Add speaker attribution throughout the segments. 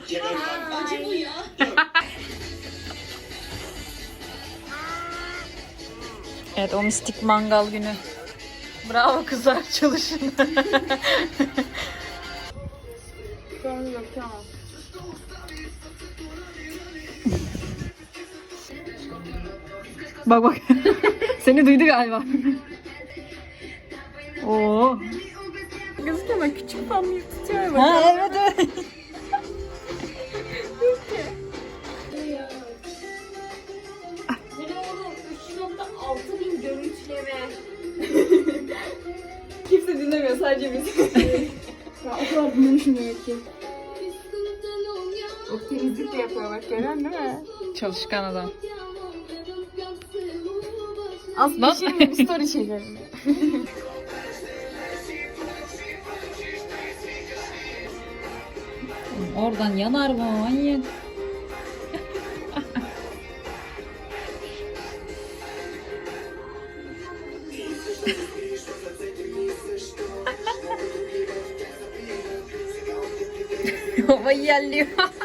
Speaker 1: Bence bu ya.
Speaker 2: Evet, o mistik mangal günü. Bravo kızlar, çalışın. Bak bak. Seni duydu galiba. Oo.
Speaker 3: Gözüküyor küçük pamuk tutuyor.
Speaker 2: Ha evet evet.
Speaker 1: Ne oğlum 3.6 bin görüntüleme.
Speaker 3: Kimse dinlemiyor, sadece biz. Ya o kadar dinlemişim demek ki. O temizlik de yapıyor bak, görüyorsun değil mi?
Speaker 2: Çalışkan adam.
Speaker 3: Aslında bir story çekelim.
Speaker 2: Oradan yanar mı manyak? Havayı yerliyor.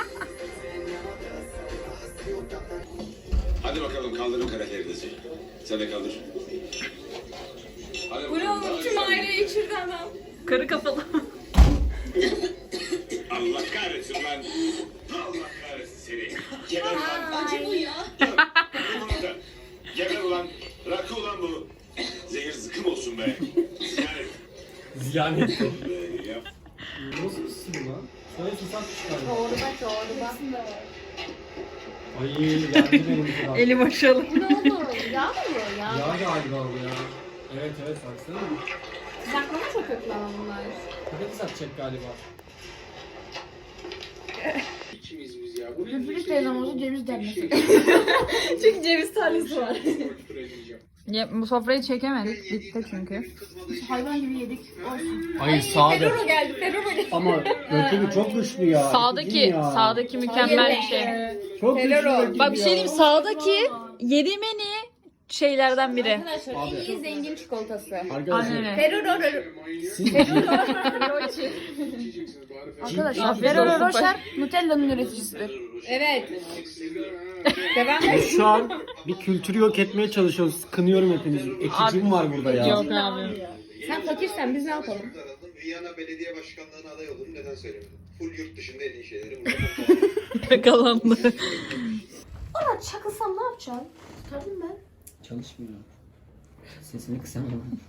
Speaker 4: Hadi bakalım kaldırın karakterinizi. Sen de kaldır. Hadi
Speaker 3: Bu ne oğlum, tüm aileyi içirdi adam.
Speaker 2: Karı kafalı.
Speaker 4: Allah kahretsin lan. Allah kahretsin seni. Geber ulan.
Speaker 1: Bence bu ya.
Speaker 4: Bunu da. Geber ulan. Rakı ulan bu. Zehir zıkkım olsun be. Yani.
Speaker 5: Ziyan etti.
Speaker 4: Yap.
Speaker 5: Nasıl bir sürü lan? Şöyle susak çıkardı.
Speaker 1: Çorba.
Speaker 5: Ay geldi benim kral.
Speaker 2: Eli boşalı.
Speaker 1: Ne oldu? Yağ mı bu ya?
Speaker 5: Ya galiba bu ya. Evet evet baksana.
Speaker 1: Sıcaklama çok kötü lan bunlar.
Speaker 5: Patates atacak galiba.
Speaker 4: İkimiz biz ya.
Speaker 3: Lüfürüz teyzem olsa ceviz dermesi. Çünkü ceviz tanesi var.
Speaker 2: Ya, bu sofrayı çekemedik. Bitti çünkü.
Speaker 3: Hayvan gibi yedik. Olsun.
Speaker 5: Hayır sağda.
Speaker 3: Ferrero geldi, Ferrero geldi.
Speaker 5: Ama rakibi çok güçlü ya.
Speaker 2: Sağdaki mükemmel bir şey.
Speaker 5: Çok güçlü rakibi
Speaker 2: Bak bir şey
Speaker 5: ya.
Speaker 2: diyeyim, sağdaki yediğim en iyi şeylerden biri.
Speaker 3: Arkadaşlar
Speaker 5: Abi.
Speaker 3: en iyi zengin çikolatası.
Speaker 5: Arkadaşlar
Speaker 2: Aynen.
Speaker 3: Ferrero.
Speaker 5: siz
Speaker 3: Arkadaşlar Ferrero Rocher Nutella'nın üreticisidir. Evet. Devam et.
Speaker 5: şu an bir kültürü yok etmeye çalışıyoruz. Kınıyorum hepinizi. Ekicim var burada ya.
Speaker 2: Yok abi.
Speaker 3: Sen fakirsen biz ne yapalım?
Speaker 6: Viyana Belediye Başkanlığı'na aday oldum. Neden söylemedim? Full yurt dışında en iyi şeyleri burada.
Speaker 2: Yakalandı.
Speaker 1: Bana çakılsam ne yapacağım? Tabii ben.
Speaker 5: Çalışmıyor. Sesini kısamam.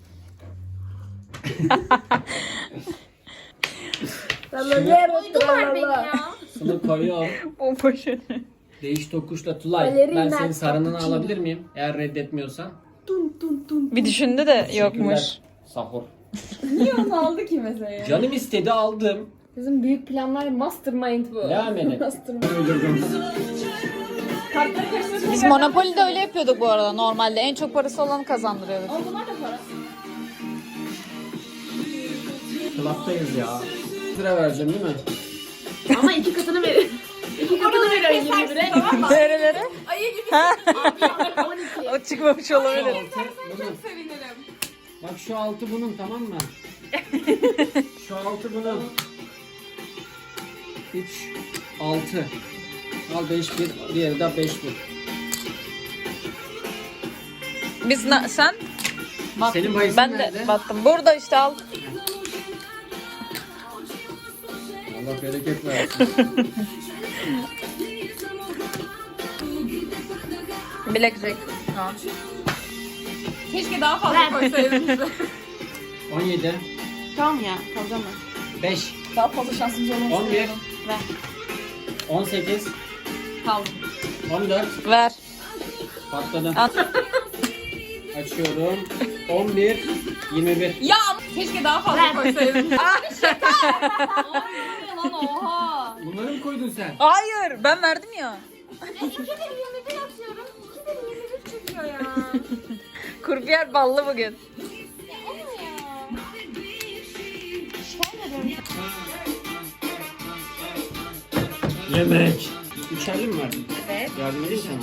Speaker 1: Uydular beni ya.
Speaker 5: Sana koyuyorum.
Speaker 2: O poşeti.
Speaker 5: Değiş tokuşla Tulay. Ben senin sarınını alabilir miyim? Eğer reddetmiyorsan.
Speaker 2: Bir düşündü de yokmuş.
Speaker 5: Sahur.
Speaker 3: Niye onu aldı ki mesela?
Speaker 5: Canım istedi aldım.
Speaker 3: Bizim büyük planlar mastermind bu.
Speaker 5: Devam edin.
Speaker 3: Mastermind.
Speaker 5: Öldürdüm.
Speaker 3: Kartları karıştırdık.
Speaker 2: Biz Monopoly'de öyle yapıyorduk bu arada normalde. En çok parası olanı kazandırıyorduk.
Speaker 3: Ama bunlar da para.
Speaker 5: Club'dayız ya. Lira vereceğim değil mi?
Speaker 3: Ama iki katını verir. İki katını verir ayı gibi bire.
Speaker 2: Nerelere?
Speaker 3: Ayı gibi.
Speaker 2: Ha?
Speaker 3: 12.
Speaker 2: O çıkmamış olabilir.
Speaker 5: Bunun.
Speaker 3: Sevinirim.
Speaker 5: Bak şu altı bunun tamam mı? Şu altı bunun. 3, 6. Al 5 1, diğeri de 5 1.
Speaker 2: Biz sen?
Speaker 5: Senin bahisin
Speaker 2: Ben de
Speaker 5: nerede?
Speaker 2: battım. Burada işte al.
Speaker 5: Allah bereket versin.
Speaker 2: Blackjack. Ha.
Speaker 3: Keşke daha fazla koysaydınız.
Speaker 5: 17,
Speaker 3: Tamam ya, kalacağım ben.
Speaker 5: 5,
Speaker 3: Daha fazla şansımız olmaz.
Speaker 5: 11,
Speaker 2: Ver.
Speaker 5: 18,
Speaker 3: Kaldım.
Speaker 5: 14.
Speaker 2: Ver.
Speaker 5: Patladım.
Speaker 2: Al.
Speaker 5: Açıyorum. 11, 21.
Speaker 3: Ya keşke daha fazla koysaydınız. Lan oha.
Speaker 5: Bunları mı koydun sen?
Speaker 2: Hayır, ben verdim ya.
Speaker 1: 2 kere 21 atıyorum. 2 kere 21 çıkıyor ya.
Speaker 2: Kurbiyer ballı bugün.
Speaker 1: Ya o ne ya? Şöyle
Speaker 5: Yemek. Üçerli mi verdin?
Speaker 3: Evet.
Speaker 5: Yardım edeyim sana.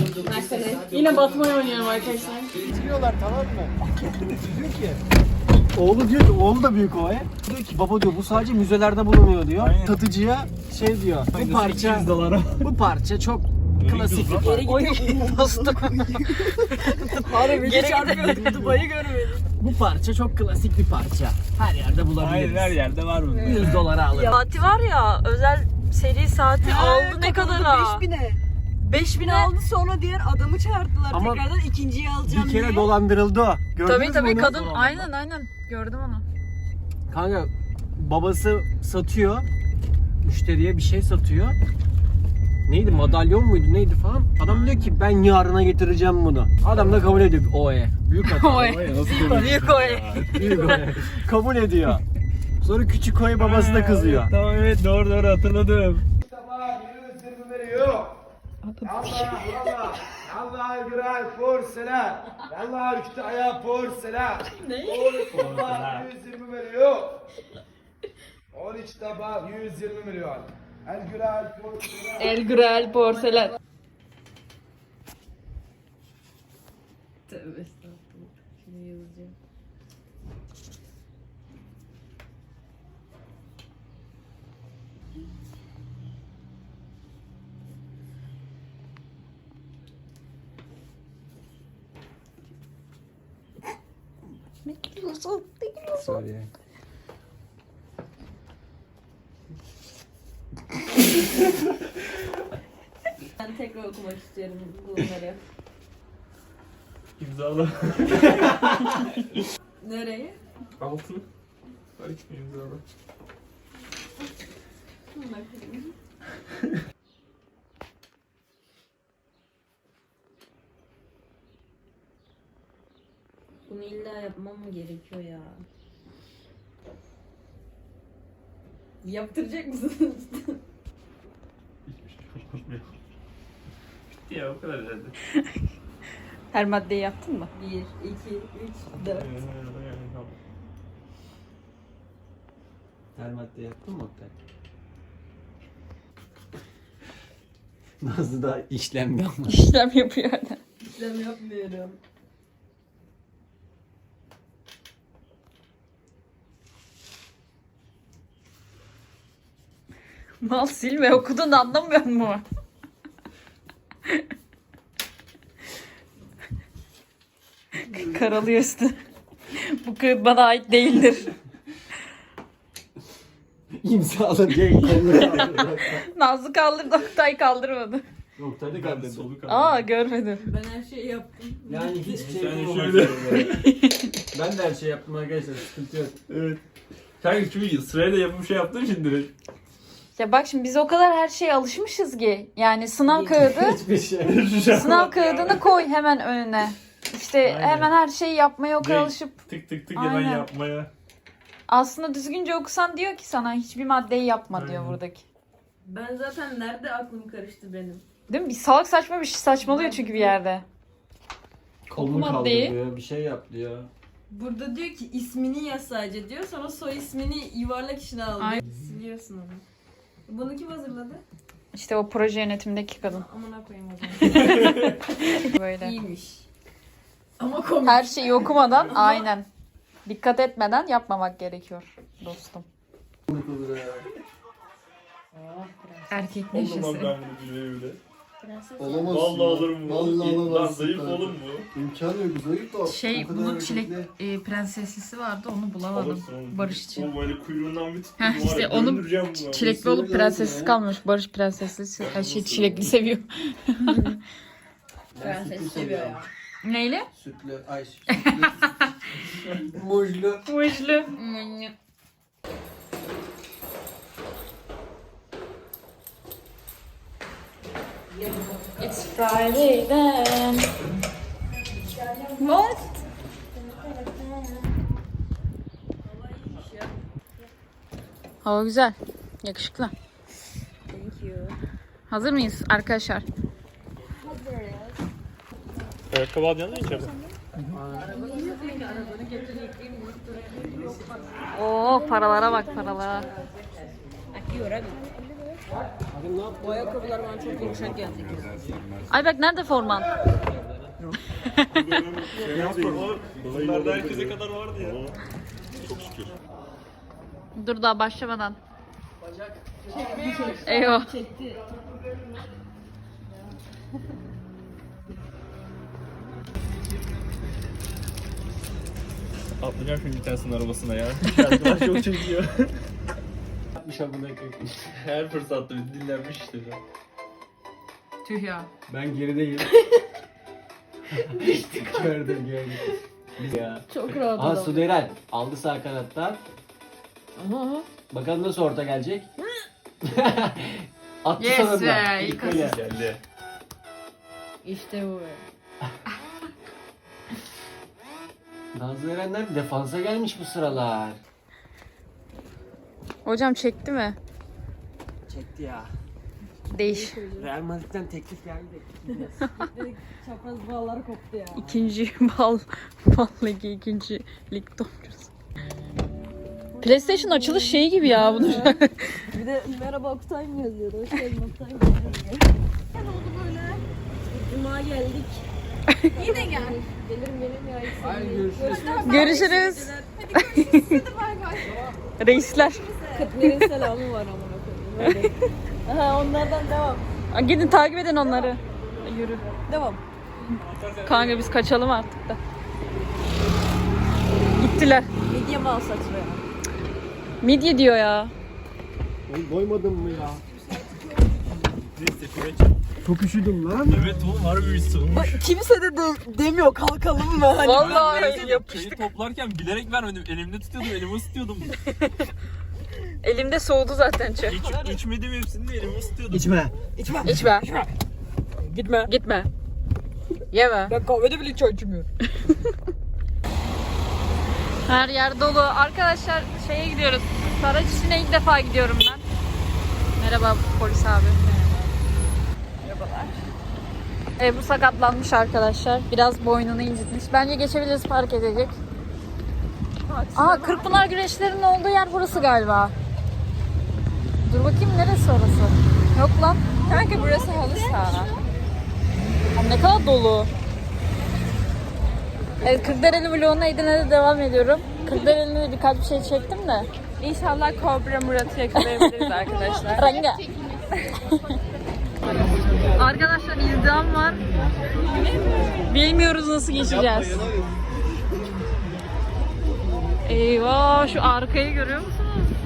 Speaker 3: Yine batmayı oynuyorum arkadaşlar.
Speaker 5: Bitiriyorlar tamam mı? Diyor ki Oğlu diyor ki, oğlu da büyük ovaya. Diyor ki baba diyor bu sadece müzelerde bulunuyor diyor.
Speaker 7: Aynen.
Speaker 5: Tatıcıya şey diyor. Bu parça
Speaker 7: 200 dolara.
Speaker 5: bu parça çok klasik bir parça.
Speaker 2: Oy bastım.
Speaker 3: Harbi geri çarpıyor. Dubai'yi görmedim.
Speaker 5: Bu parça çok klasik bir parça. Her yerde
Speaker 7: Hayır
Speaker 5: bulabiliriz.
Speaker 7: her yerde var bunun.
Speaker 5: 100 dolara alırım.
Speaker 2: Saati var ya, özel seri saati aldı ne kadar ha?
Speaker 3: 5000'e.
Speaker 2: 5000'e.
Speaker 3: aldı sonra diğer adamı çağırdılar.
Speaker 5: Ama
Speaker 3: Tekrardan ikinciyi alacağım
Speaker 5: Bir kere
Speaker 3: diye.
Speaker 5: dolandırıldı o. Gördünüz
Speaker 2: Tabii
Speaker 5: mü onu?
Speaker 2: kadın aynen gördüm onu.
Speaker 5: Kanka babası satıyor. Müşteriye bir şey satıyor. Neydi, madalyon muydu neydi falan. Adam diyor ki ben yarına getireceğim bunu. Adam da kabul ediyor. Oye. Büyük hata.
Speaker 2: Oy. Büyük oy.
Speaker 5: Büyük oye. Kabul ediyor. Sonra küçük oy babası da kızıyor.
Speaker 7: Tamam evet doğru hatırladım.
Speaker 8: Allah güzel porselen. Allah üstü ayağı porselen. Ne? 120 milyon. 13 tabak 120 milyon. El güzel porselen.
Speaker 2: El Gürel porselen.
Speaker 3: Tövbe estağfurullah. Şunu yazacağım.
Speaker 7: Sorry.
Speaker 3: Ben tekrar okumak istiyorum bunları.
Speaker 7: İmzala.
Speaker 3: Nereye?
Speaker 7: Altı. Bak imzala.
Speaker 3: Bakayım. Bunu illa yapmam mı gerekiyor ya? Yaptıracak mısınız?
Speaker 7: Bitti ya o kadar herhalde.
Speaker 2: Her maddeyi yaptın mı?
Speaker 3: 1, 2, 3, 4.
Speaker 5: Her madde yaptın mı Oktay? Nazlı da işlem yapmış.
Speaker 2: İşlem yapıyor hala.
Speaker 3: İşlem yapmıyorum.
Speaker 2: Mal sil ve okudun anlamıyor mu? Karalıyor üstü. Bu kağıt bana ait değildir.
Speaker 5: İmzalı diye kolunu kaldırdı.
Speaker 2: Nazlı kaldırdı, Oktay kaldırmadı.
Speaker 5: Oktay da kaldırdı.
Speaker 7: Solu kaldı.
Speaker 2: Aa görmedim.
Speaker 3: Ben her şeyi yaptım.
Speaker 5: Yani hiçbir şey
Speaker 7: Yani
Speaker 5: yapamadım.
Speaker 7: şöyle.
Speaker 5: Ben de her şey yaptım arkadaşlar. Sıkıntı yok.
Speaker 7: Evet. Kanka çünkü sırayla yapım şey yaptım şimdi direkt.
Speaker 2: Ya bak şimdi biz o kadar her şeye alışmışız ki. Yani sınav kağıdı,
Speaker 5: Hiçbir şey.
Speaker 2: sınav kağıdını koy hemen önüne. İşte
Speaker 7: Aynen.
Speaker 2: hemen her şeyi yapmaya o kadar
Speaker 7: Direkt
Speaker 2: alışıp
Speaker 7: Tık tık tık
Speaker 2: Aynen.
Speaker 7: hemen yapmaya.
Speaker 2: aslında düzgünce okusan diyor ki sana hiçbir maddeyi yapma diyor
Speaker 7: Aynen.
Speaker 2: buradaki.
Speaker 3: Ben zaten nerede aklım karıştı benim?
Speaker 2: Değil mi? Bir salak saçma bir şey saçmalıyor çünkü bir yerde.
Speaker 5: Kolunu
Speaker 2: maddeyi.
Speaker 5: kaldırıyor. Bir şey yap diyor.
Speaker 3: Burada diyor ki ismini yaz sadece diyor. Sonra soy ismini yuvarlak içine al diyor.
Speaker 2: Aynen.
Speaker 3: Siliyorsun onu. Bunu kim hazırladı?
Speaker 2: İşte o proje yönetimindeki kadın.
Speaker 3: Amına koyayım o zaman.
Speaker 2: Böyle.
Speaker 3: İyiymiş. Ama komik.
Speaker 2: Her şeyi okumadan aynen. Dikkat etmeden yapmamak gerekiyor dostum. Erkek
Speaker 7: Oğlum
Speaker 2: neşesi.
Speaker 7: ben bunu bile bile.
Speaker 9: Olamaz.
Speaker 7: Vallahi alırım bu.
Speaker 9: Vallahi
Speaker 7: Lan
Speaker 9: alamazsın
Speaker 7: zayıf
Speaker 9: kanka.
Speaker 7: oğlum bu.
Speaker 9: İmkanı yok, zayıf da.
Speaker 2: Şey
Speaker 9: o kadar
Speaker 2: bunun çilek
Speaker 9: hareketli.
Speaker 2: prenseslisi vardı onu bulamadım.
Speaker 7: Alırsın oğlum.
Speaker 2: Barış için.
Speaker 7: O böyle kuyruğundan bir tuttum.
Speaker 2: Heh,
Speaker 7: var
Speaker 2: işte
Speaker 7: ya,
Speaker 2: onu
Speaker 7: döndüreceğim bunu.
Speaker 2: Çilekli olup prensessiz kalmış. Barış prensesli her şey çilekli seviyor.
Speaker 3: Prenses seviyor ya.
Speaker 2: Neyle?
Speaker 9: Sütlü, ay sütlü. Muzlu.
Speaker 2: Muşlu. It's Friday then. What? Hava güzel. Yakışıklı.
Speaker 3: Thank you.
Speaker 2: Hazır mıyız arkadaşlar?
Speaker 7: Ayakkabı alacaksın da içeride.
Speaker 2: Oo paralara bak paralara.
Speaker 3: Bu ayakkabılar bana çok yumuşak geldi.
Speaker 2: Ayberk nerede forman?
Speaker 7: Bunlarda herkese kadar vardı ya. Çok şükür.
Speaker 2: Dur daha başlamadan. Eyvah.
Speaker 7: Atlayacağım şimdi bir tanesinin arabasına ya. Şarkılar çok çekiyor.
Speaker 5: Yapmış amına koyayım.
Speaker 7: Her fırsatta bir dinlenmiş işte.
Speaker 2: Tüh ya.
Speaker 5: Ben gerideyim. Gördüm. Ya.
Speaker 3: Çok rahat
Speaker 5: Aha
Speaker 3: adam.
Speaker 5: Sudeyren aldı sağ kanattan.
Speaker 3: Aha.
Speaker 5: Bakalım nasıl orta gelecek. Attı
Speaker 2: Yes
Speaker 5: sana da.
Speaker 2: be,
Speaker 5: İlk
Speaker 2: ilk
Speaker 5: öyle.
Speaker 7: Geldi.
Speaker 3: İşte bu be.
Speaker 5: Nazlı Erenler defansa gelmiş bu sıralar.
Speaker 2: Hocam çekti mi?
Speaker 5: Çekti ya.
Speaker 2: Değiş.
Speaker 5: Real Madrid'den teklif geldi.
Speaker 3: Çapraz bağları koptu ya.
Speaker 2: İkinci bal ligi, ikinci lig topçusu. PlayStation açılış şeyi gibi ya bunu.
Speaker 3: Bir de merhaba Oktay mı yazıyordu? Hoş geldin Oktay mı yazıyordu? Ne oldu böyle? Cuma geldik.
Speaker 1: Yine gel.
Speaker 3: Gelirim ya.
Speaker 5: Hayır görüşürüz.
Speaker 2: Görüşürüz.
Speaker 1: Hadi bay bay.
Speaker 2: Reisler.
Speaker 3: Kıtmir'in selamı var amına koyayım. Böyle. Aha onlardan devam.
Speaker 2: Gidin takip edin onları. Yürü.
Speaker 3: Devam.
Speaker 2: Kanka biz kaçalım artık da. Gittiler.
Speaker 3: Midye mal saçma ya.
Speaker 2: Midye diyor ya.
Speaker 5: Oğlum doymadın mı ya?
Speaker 7: Neyse kulaç.
Speaker 5: Çok üşüdüm lan.
Speaker 7: Evet oğlum harbi bir soğumuş.
Speaker 3: Kimse de demiyor kalkalım mı? Hani
Speaker 2: Vallahi
Speaker 7: Şeyi toplarken bilerek vermedim. Elimde tutuyordum, elimi ısıtıyordum.
Speaker 2: elimde soğudu zaten çay.
Speaker 7: İçmedim hepsini de elimi ısıtıyordum.
Speaker 5: İçme.
Speaker 2: İçme.
Speaker 3: Gitme.
Speaker 2: Gitme. Yeme.
Speaker 3: Ben kahvede bile çay içmiyorum.
Speaker 2: Her yer dolu. Arkadaşlar şeye gidiyoruz. Saraçişi'ne ilk defa gidiyorum ben. Merhaba polis abi. Merhabalar. Bu sakatlanmış arkadaşlar. Biraz boynunu incitmiş. Bence geçebiliriz, park edecek. Kırkpınar güreşlerinin olduğu yer burası galiba. Dur bakayım neresi orası? Yok lan. Kanka burası halı saha. Ne kadar dolu. Evet, Kırklareli vloguna Edirne'de devam ediyorum. Kırklareli'ne de birkaç bir şey çektim de.
Speaker 1: İnşallah Kobra Murat'ı yakalayabiliriz arkadaşlar.
Speaker 2: Ranga. Arkadaşlar izdiham var. Bilmiyoruz nasıl geçeceğiz. Eyvah, şu arkayı görüyor musunuz?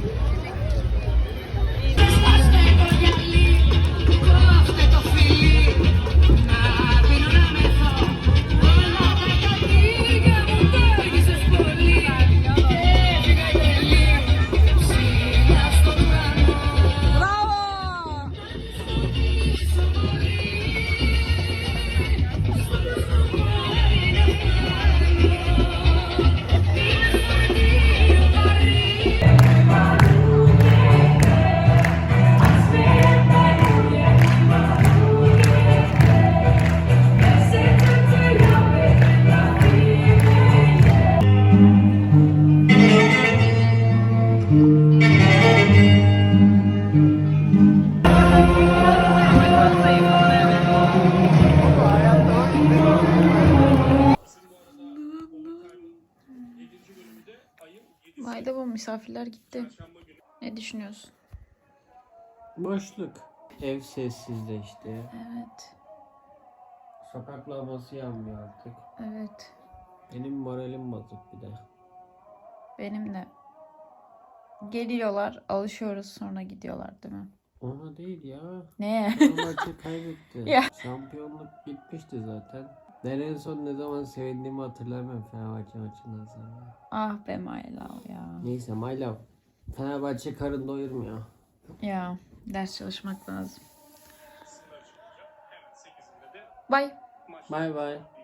Speaker 2: Vay bu misafirler gitti. Ne düşünüyorsun?
Speaker 5: Boşluk. Ev sessizleşti.
Speaker 2: Evet.
Speaker 5: Sokak lambası yanmıyor artık.
Speaker 2: Evet.
Speaker 5: Benim moralim bozuk bir de.
Speaker 2: Benim de. Geliyorlar, alışıyoruz, sonra gidiyorlar değil mi?
Speaker 5: Ona değil ya.
Speaker 2: Ne?
Speaker 5: Fenerbahçe kaybetti.
Speaker 2: Ya.
Speaker 5: Şampiyonluk bitmişti zaten. Ben en son ne zaman sevindiğimi hatırlamıyorum Fenerbahçe maçından sonra.
Speaker 2: Ah be my love ya.
Speaker 5: Neyse my love. Fenerbahçe karın doyurmuyor.
Speaker 2: Ya ders çalışmak lazım. Bye.
Speaker 5: Bye bye.